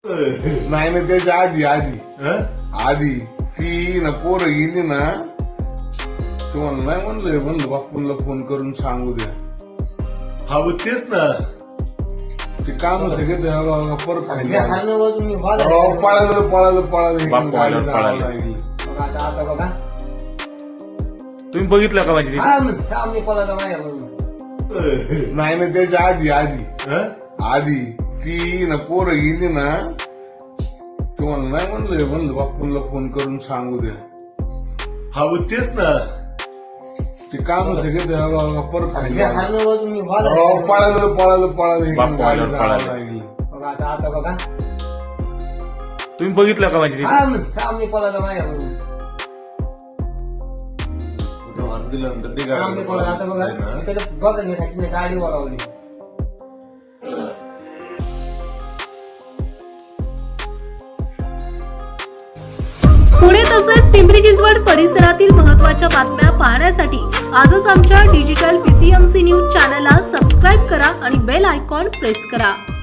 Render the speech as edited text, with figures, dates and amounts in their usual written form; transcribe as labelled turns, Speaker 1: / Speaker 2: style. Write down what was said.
Speaker 1: नाही ना त्याच्या आधी ती ना पोरं गेली ना तुम्हाला नाही म्हणलं बापूंला फोन करून सांगू द्या.
Speaker 2: हा मग तेच ना
Speaker 1: ते काम सगळे परत
Speaker 3: पळालं
Speaker 1: पळालं
Speaker 3: आता बघा
Speaker 4: तुम्ही बघितलं का माझी
Speaker 3: सामने पळाला माझ्या
Speaker 1: नाही ना त्याच्या आधी ती ना पोरं गेली ना तुम्हाला नाही म्हणलं बापूंला फोन करून सांगू द्या.
Speaker 2: हा मग तेच ना
Speaker 1: ते काम सगळे परत
Speaker 3: बघा आता बघा
Speaker 4: तुम्ही बघितलं का माझी
Speaker 3: सामने पळाला माझ्या सामने पळाला. आता बघा त्याला बघण्यासाठी मी गाडी वळवली.
Speaker 5: पुणे तसेच पिंपरी चिंचवड परिसरातील महत्त्वाच्या बातम्या पाहण्यासाठी आजच आमच्या डिजिटल PCMC न्यूज चॅनलला सबस्क्राईब करा आणि बेल आयकॉन प्रेस करा.